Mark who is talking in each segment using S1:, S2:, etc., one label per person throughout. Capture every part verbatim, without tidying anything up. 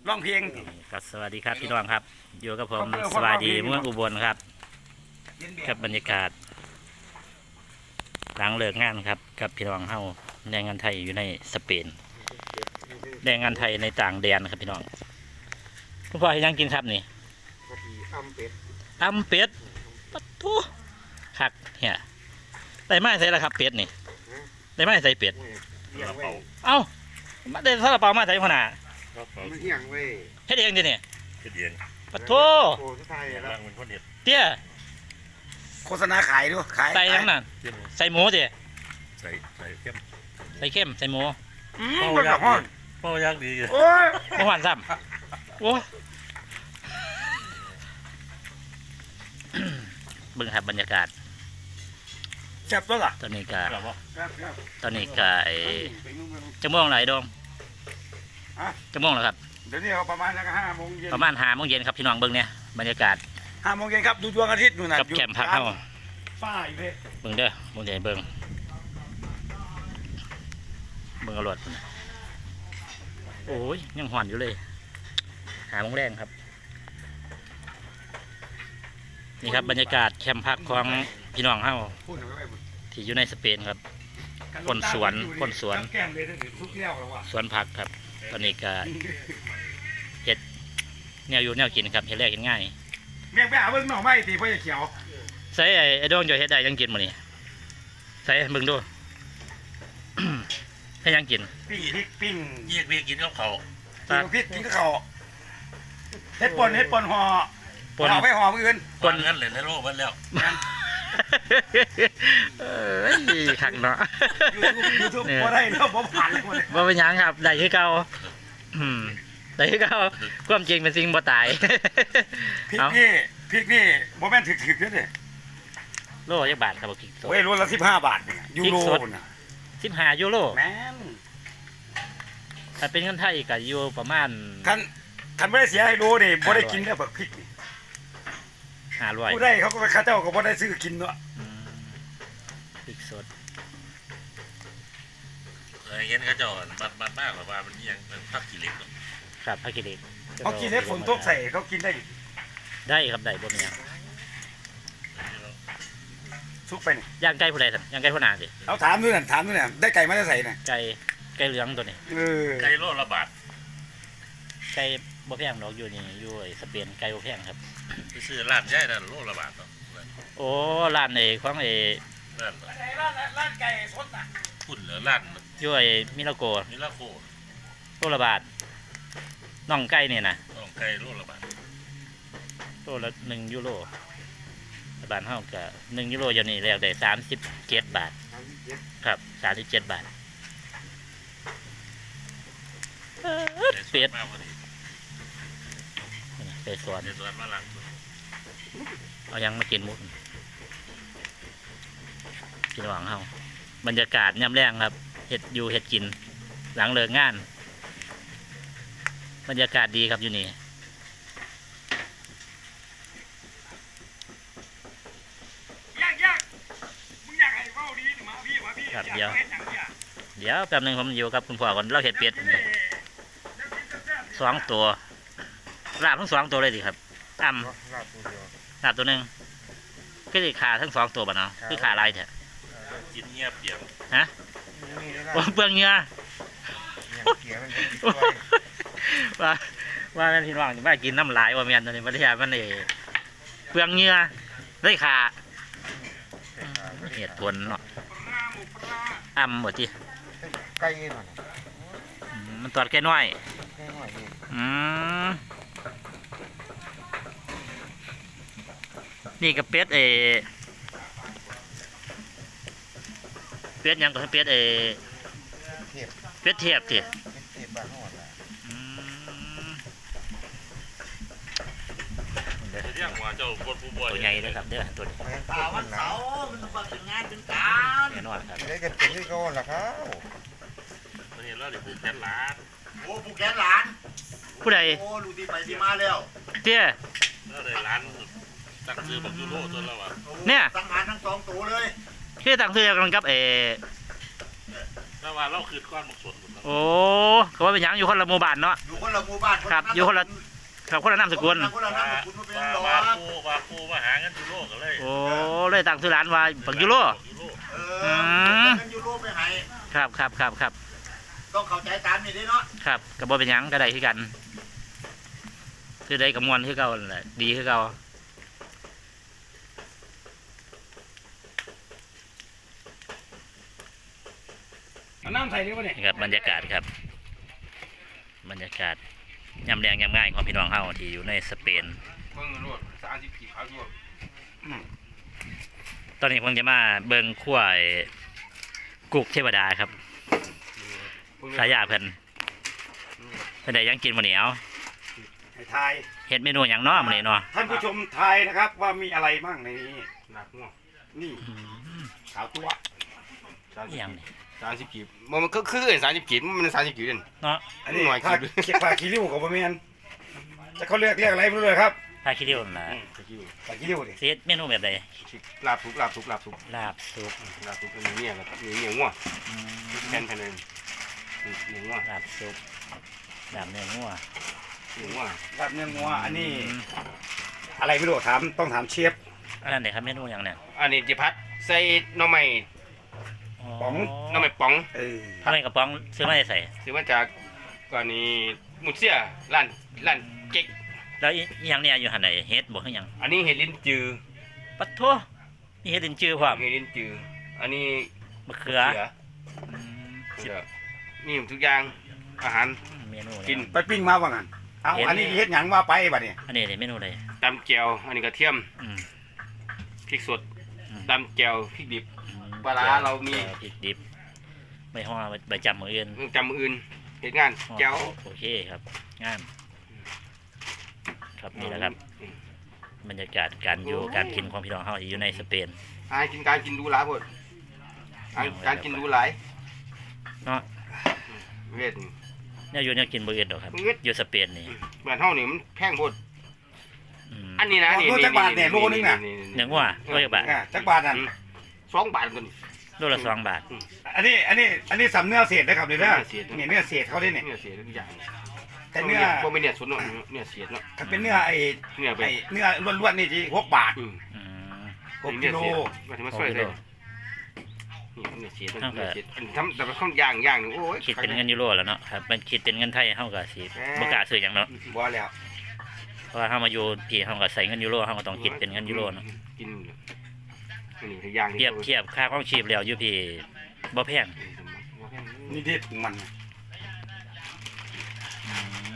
S1: ร้องเพลง
S2: ก็สวัสดีครับพี่น้องครับอยู่กับผมสวัสดีเมืองอุบลครับกับบรรยากาศหลังเลิกงานครับกับพี่น้องเฮาแรงงานไทยอยู่ในสเปนแรงงานไทยในต่างแดนครับพี่น้องคุณพ่อให้ยังกินครับนี่
S3: อัมเป็ด
S2: อัมเป็ดปัดทุคักเฮียได้ไม้ใส่ละครับเป็ดนี่ได้ไม้ใส่เป็ดเอ้ามาได้ซาลาเปามาใส่ขนาด
S3: มันเอียงเว้ย
S2: เฮ็ดเองดิเนี่ย
S4: เฮ็ดเอง
S2: ปัดโถ
S3: โอ้สุดท้ายแล้ว
S4: มันคนเฮ็ด
S2: เตี้ย
S1: โฆษณาขายด้วยขาย
S2: ใส่ยังนั่นใส่หมูดิ
S4: ใส่ใส่เข้ม
S2: ใส่เข้มใส่หมู
S1: อืมมันแบบห้อน
S4: เป้ายากดี
S1: โอ้ย
S2: บ่หวานซ้ำโอ้เบิ่งครับบรรยากาศ
S1: แซ่บตัวล่ะ
S2: ตอนนี้ก็ตอนนี้ก็ไอ้จะม่วงไหลดงจะม่วงแล้วครับ
S1: เดี๋ยวนี้เขาประมาณนักห้าโมงเย็น
S2: ประมาณห้าโมงเย็นครับพี่น้องเบิ่งเนี่ยบรรยากาศ
S1: ห้าโมงเย็นครับดูดวงอาทิตย์นู่นน่ะ
S2: กับแคมป์พักเฮา
S1: ฝ้าอยู่เลย
S2: เบิ่งเด้อบ่ใหญ่เบิ่งเบิ่งเอารถโอ้ยยังหอนอยู่เลยหาโมงแรงครับนี่ครับบรรยากาศแคมป์พักของพี่น้องเฮาที่อยู่ในสเปนครับคนสวนคนสวนสวนผักครับตอนนี้ก็เห็ดแนวอยู่แนวกินครับเห็ดแรกเห็ดง่าย
S1: เมียงไปหาเบิ้งหน่อไม้ตีพ่อจะเขียว
S2: ใส่ไอ้ดวงจะเห็ดได้ยังกินมื้อนี้ใส่เบิ่งดูให้ยังกิน
S1: ปิ้งพริกปิ้ง
S4: เยี่ยกกินกับเขา
S1: ปิ้งพริกกินกับเขาเห็ดป่นเห็ดป่นห่อห่อไปห่อมืออื่น
S4: ป่นงั้นเลยในโลกมันแล้ว
S2: เอ้ยขักเนาะ
S1: ยูทูบบ่ได้เนาะบ่ผ่านเลย
S2: บ่เป็นหยังครับได้คือเก่าอืมได้คือเก่าความจริงเป็นสิ่งบ่ตาย
S1: พริกนี่พริกนี่บ่แม่นถึกๆเด้อเด้
S2: โลจักบาทครับบ่พริกสด
S1: โอ้ยโลละสิบห้าบาทนี่ยูโรน่ะ
S2: สิบห้ายูโร
S1: แม่น
S2: ถ้าเป็นเงินไทยก็อยู่ประมาณ
S1: คันคันบ่ได้เสียให้โลนี่บ่ได้กินเด้อบักพริกนี่
S2: ห้าร้อย
S1: ผู้ได้เขาก็ไปข้าเจ้าก็บ่ได้ซื้อกินเนาะ
S2: พริกสด
S4: เคยเห็นเขาเจ้าบัดบัดมากกว่ามันยังเป็นผักขี้เหล็ก
S2: ครับผักขี้เหล็ก
S1: เขากินให้ฝนตกใส่เขากินได้
S2: ได้ครับได้บ่มีหยัง
S1: ซุกไปนี่
S2: ย่างไก่ผู้ใดซั่นย่างไก่ผู้นาสิ
S1: เอาถามด้วยนั่นถามด้วยนั่นได้ไก่มาได้ใส่น่ะ
S2: ไก่ไก่เหลืองตัวนี้
S1: เออ
S4: ไก่โลละบาท
S2: ไก่บ่แพงดอกอยู่นี่อยู่ไอ้สเปนไก่บ่แพงครับ
S4: ไปซื้อร้านใหญ่นั่นโลละบาทเนาะ
S2: โอ้ร้านไอ้ของไอ้
S4: ร้าน
S1: ร้านร้านไก่สดน่ะ
S4: พุ่นเหลือร้าน
S2: อยู่ไอ้มิลาโก
S4: มิลาโก
S2: โลละบาทน่องไก่นี่นะ
S4: น่องไก่โลละบาท
S2: โลละหนึ่งยูโรบ้านเฮาก็หนึ่งยูโรอยู่นี่แล้วได้สามสิบเจ็ดบาทครับสามสิบเจ็ดบาทเป็ดเป็ดสวนเอายังมากินมุกกินหวังเฮาบรรยากาศย่ำแรงครับเห็ดอยู่เห็ดกินหลังเลิกงานบรรยากาศดีครับอยู่นี่ครับเดี๋ยวเดี๋ยวแป๊บนึงผมอยู่กับคุณพ่อก่อนเราเห็ดเป็ดสองตัวลาบทั้งสองตัวเลยดิครับอ่ำลาบตัวหนึ่งก็จะขาทั้งสองตัวบ่เนาะคือขาลายเถอะ
S4: กินเงียบเปียก
S2: ฮะเปลืองเงี้ยว่าว่าแม่พี่น้องจะมากินน้ำลายว่าเมียนตัวนี้ประเทศมันเอเปลืองเงี้ยได้ขาเหตุผลเนาะอ่ำหมดที
S3: ไก่หน่อย
S2: มันตอดแค่น้อยอืมนี่กับเป็ดเอเป็ดยังกับเป็ดเอเป็ดเทียบทีตัวใหญ่เลยครับเด้อตัวนี้
S1: ตาวันเสาร์มันมาถึงงานเป็นการ
S2: แน่นอนครับ
S3: ได้กันเป็นที่ก้อนละครับ
S4: วันนี้เราได้ผูกแขนหลาน
S1: โอ้ผูกแขนหลาน
S2: ผู้ใด
S1: โอ้ลูกที่ไปที่มาแล้ว
S2: เตี้ย
S4: เราได้หลานตั้งชื่อบักยูโรตัวเราอ่ะ
S2: เนี่ย
S1: ตั้งงานทั้งสองตัวเลย
S2: ที่ตั้งชื่อกันกับเอ
S4: แล้วว่าเราคืนก้อนหมกสด
S2: โอ้เขาว่าเป็นหยังอยู่คนละหมู่บ้านเนาะ
S3: อยู่คนละหมู่บ้าน
S2: ครับอยู่คนละครับคนละนามสกุล
S3: คนละนามสกุลมันเป็น
S4: ว่า
S3: หลอ
S4: ว่าปูว่าปูมาหาเงินจุโลกกันเลย
S2: โอ้เลยตั้งชื่อร้านว่าปักยูโร
S4: จุโลก
S3: เออเงินยูโรไปให้
S2: ครับครับครับครับ
S3: ต้องเข้าใจตามนี่ดิเนาะ
S2: ครับกระบอกเป็นหยังก็ได้คือกัน คือได้กับมวลคือเก่านั่นแหละดีคือเก่า
S1: เอาน้ำใส่นี่วะเนี่ย
S2: นี่ครับบรรยากาศครับ บรรยากาศยำแรงยำง่ายของพี่น้องเฮาที่อยู่ในสเปน
S3: เพิ่งรวดสามสิบกี่พันรวด
S2: ตอนนี้ผมจะมาเบิ่งขั้วไอ้กุกเทวดาครับสายาเพิ่นเพิ่นได้หยังกินมื้อนี้เอา
S1: ให้ทาย
S2: เฮ็ดเมนูหยังเนาะมื้อนี้เนาะ
S1: ท่านผู้ชมทายนะครับ ว่ามีอะไรบ้างในนี้
S3: หนักง่วง
S1: นี่
S2: อืม
S1: ขาวตัว
S2: อิหยังนี่
S3: สามสิบกี่มันก็คือสามสิบกี่มันสามสิบกี่เด่น
S2: เนาะ
S1: อันนี้
S3: หน่อย
S1: ผ้า
S3: คิด
S1: เก็บผ้าคีริ้วกับประเมียนจะเขาเรียกเรียกอะไรไม่รู้เลยครับ
S2: ถ้าคิดดูนั่นล่ะ
S1: ผ้าคีริ้วดิ
S2: สิเฮ็ดเมนูแบบใด
S3: ลาบทุกลาบทุกลาบทุก
S2: ลาบสุก
S3: ลาบทุกมีเนี่ยแบบมีเนี่ยง่วง
S2: อืม
S3: แผ่นแผ่นเลยเนี่ยง่วง
S2: ลาบสุกลาบเนื้องัว
S3: เนี่ยง่วง
S1: แบบเนื้องัวอันนี้
S2: อืม
S1: อะไรไม่รู้ถามต้องถามเชฟ
S2: อันนั้นเด้ครับเมนูหยังเนี่ย
S3: อันนี้จิพัดใส่หน่อไม้หน่อไม้ป๋อง
S1: เออ
S2: ทำไมกระป๋องซื้อมาได้ใส่
S3: ซื้อมาจากก่อนนี้มุดเสียร้านร้านเก๊ก
S2: แล้วอีอีหยังเนี่ยอยู่หั่นไหนเฮ็ดบ่คือหยัง
S3: อันนี้เห็ดลิ้นจือ
S2: ปัดโทนี่เฮ็ดดินจือพร้อม
S3: เห็ดลิ้นจืออันนี้
S2: มะเขือ
S3: เขือ
S2: อืม
S3: เขือนี่ทุกอย่างอาหาร
S2: เมนู
S3: กิน
S1: ไปปิ้งมาว่างั้นเอาอันนี้เฮ็ดหยังว่าไปบัดเนี่ย
S2: อันนี้เลยเมนูเลย
S3: ตำแจ่วอันนี้กระเทียม
S2: อืม
S3: พริกสด
S2: อืม
S3: ตำแจ่วพริกดิบ
S2: อืม
S3: ปลาร้าเรามี
S2: แจ่วพริกดิบไม่ห่อใบจำมืออื่น
S3: จำมืออื่นเห็ดงาน
S2: ห่อ
S3: แจ่ว
S2: โอเคครับงามครับนี่แหละครับบรรยากาศการอยู่การกินของพี่น้องเฮาที่อยู่ในสเปน
S3: อากินการกินดูหลายพดการการกินดูหลาย
S2: เนาะ
S3: เวท
S2: เนี่ยอยู่เนี่ยกินบ่อื่นดอกครับ
S3: เฮ็ด
S2: อยู่สเปนนี่
S3: บ้านเฮานี่มันแพงพด
S2: อืม
S3: อันนี้นะนี่
S1: โลจักบาทเนี่ยโลนึงน่ะ
S2: เนื้องัวโลจักบาท
S1: อ่ะจักบาทนั่น
S3: สองบาทกัน
S2: โลละสองบาท
S1: อันนี้อันนี้อันนี้สำเนื้อเศษนะครับเดี๋ยวนะ
S3: เศษ
S1: นี่เนื้อเศษเขาได้เนี่ย
S3: เนื้อเสียทุกอย่าง
S1: แต่เนื้อ
S3: บ่ไม่เนื้อสดเนาะเนื้อเสียเนาะ
S1: ถ้าเป็นเนื้อไอ้
S3: เนื้อไป
S1: ไอ้เนื้อล้วนๆนี่จีหกบาท
S3: อืม
S2: อืม
S1: หกกิโล
S3: มาทำมาช่วยเลยนี่เนื้อเสียเนื้อเสียอันทำแต่ละข้าวย่างย่างโอ้ย
S2: คิดเป็นเงินยูโรแล้วเนาะครับมันคิดเป็นเงินไทยเฮาก็สิบ่กล้าซื้อหยังเนาะ
S1: บ่แล้ว
S2: เพราะว่าเฮามาอยู่พี่เฮาก็ใส่เงินยูโรเฮาก็ต้องคิดเป็นเงินยูโรเนาะ
S3: กินอันนี้คือย่าง
S2: เทียบเทียบค่าของชีพแล้วอยู่พี่บ่แพง
S1: นี่เด็ดของมัน
S2: อืม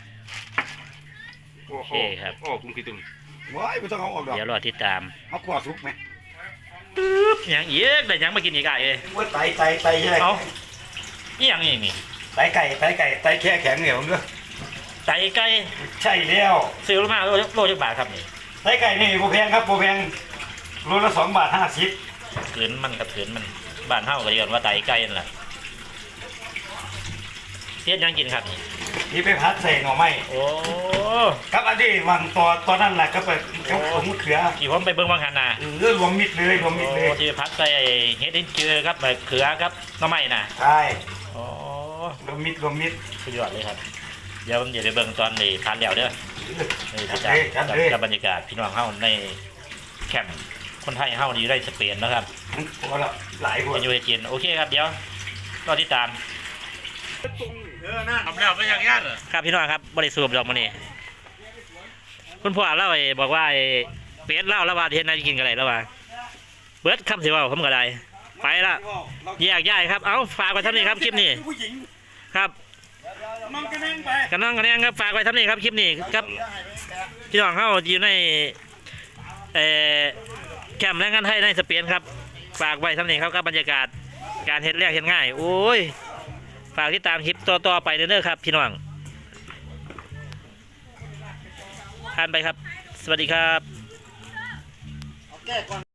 S3: โอเคครับโอ้คุณคิดตึง
S1: ว้ายไม่ต้องเอาออกดอก
S2: เดี๋ยวรอติดตาม
S1: เอาขวดซุปไหม
S2: หยังอีกได้หยังมากินอีกอ่ะเอ้ย
S1: ว่าไตไตไตใช่ไหม
S2: เอาอีหยังอีกนี่
S1: ไตไก่ไตไก่ไตแค่แข็งเหนียวเนื้อ
S2: ไตไก่
S1: ใช่แล้ว
S2: ซื้อมาโลโลจักบาทครับนี่
S1: ไตไก่นี่โบแพงครับโบแพงโลละสองบาทห้าสิบ
S2: ขืนมันกับขืนมันบ้านเฮาก็เรียกว่าไตไก่นั่นแหละเฮ็ดหยังกินครับนี่
S1: นี่ไปพัดใส่หน่อไม้
S2: โอ้
S1: ครับอันนี้วางตัวตัวนั่นแหละก็ไปเขาผมมะเขือ
S2: ที่ผมไปเบิ่งบางหันน่ะ
S1: เออรวมมิดเลยรวมมิด
S2: โอ้
S1: เลย
S2: ที่พัดใส่เฮ็ดดินเจือครับมะเขือครับหน่อไม้น่ะ
S1: ใช่
S2: โอ้
S1: รวมมิดรวมมิด
S2: สุดยอดเลยครับ เดี๋ยวผมจะไปเบิ่งตอนนี้พัดแล้วเด้อนี่
S1: จั
S2: พี่
S1: ด
S2: จ๋า
S1: เลยจัด
S2: กับ
S1: เลย
S2: กับบรรยากาศพี่น้องเฮาในแคมป์คนไทยเฮานี่อยู่ในสเปนนะครับ
S1: พอแล้วหลายคน
S2: เป็นอยู่ในจีนโอเคครับเดี๋ยวรอติดตาม
S4: ทำแล้วไม่ยังยันเหรอ
S2: ครับพี่น้องครับบริสุทธิ์ดอกมันนี่คุณพ่อเล่าไอ้บอกว่าไอ้เป็ดเล่าแล้วว่าเฮ็ดนายกินกันไรแล้วว่าเบิดคำสิเว่าผมก็ได้ไปละแยกย้ายครับเอาฝากไว้ทำนี่ครับคลิปนี้
S1: ผู้หญิง
S2: ครับ
S1: มันกระแนงไป
S2: กันน้องกันแนงครับฝากไว้ทำนี่ครับคลิปนี้ครับพี่น้องเฮาอยู่ในเอ่อแคมป์แรงงานไทยในสเปนครับฝากไว้ทำนี่ครับกับบรรยากาศการเฮ็ดแรกเฮ็ดง่ายโอ้ยฝากติดตามคลิปต่อๆไปเด้อครับพี่น้องผ่านไปครับสวัสดีครับ